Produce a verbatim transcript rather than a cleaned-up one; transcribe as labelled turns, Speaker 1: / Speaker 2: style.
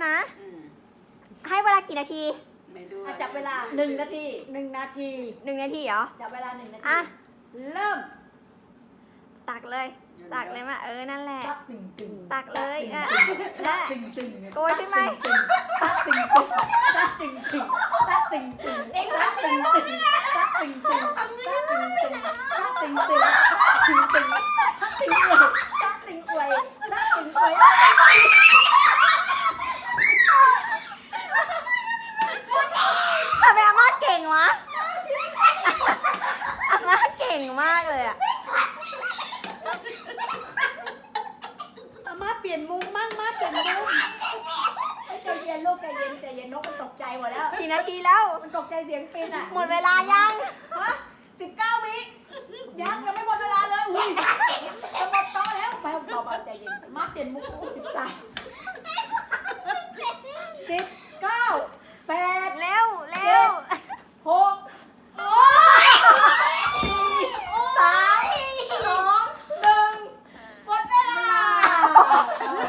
Speaker 1: นะ ให้เวลากี่นาที
Speaker 2: ไม่ดู
Speaker 3: จับเวลาหนึ่งนาที
Speaker 4: หนึ่งนาที
Speaker 1: หนึ่งนาทีเหรอ
Speaker 3: จับเวลาหนึ่งนาที
Speaker 1: อ่ะ
Speaker 4: เริ่ม
Speaker 1: ตักเลย ตักเลยมาเออ นั่นแหละ
Speaker 3: ตักตึงตึง
Speaker 1: ตักเลยอ่ะนั่นแหละ
Speaker 3: ตึงตึง
Speaker 1: โกยขึ้นไหม
Speaker 3: ตักตึงตึงตักตึงตึงตักตึงตึงเอ็งตักตึงตึงตักตึงตึงตักตึงตึงตักตึงตึงตักตึงตึงตักตึงอวยตักตึงอวยตักตึงอวย
Speaker 1: ทำไมอาม่าเก่งวะ อาม่าเก่งมากเลยอ่ะ
Speaker 4: อามาเปลี่ยนมุมมั่งมาเปลี่ยนมุม
Speaker 3: ใจเย็นลูกใจเย็นใจเย็นนกมันตกใจหมดแล้ว
Speaker 1: กี่นาทีแล้ว
Speaker 3: มันตกใจเสียงปินอ่ะ
Speaker 1: หมดเวลายัง
Speaker 3: ฮะสิบเก้าวิยังยังไม่หมดเวลาเลยอุ้ยจะหมดโต๊ะแล้วไปเบาๆใจเย็น
Speaker 4: มาเปลี่ยนมุม
Speaker 3: สิบสามสิบ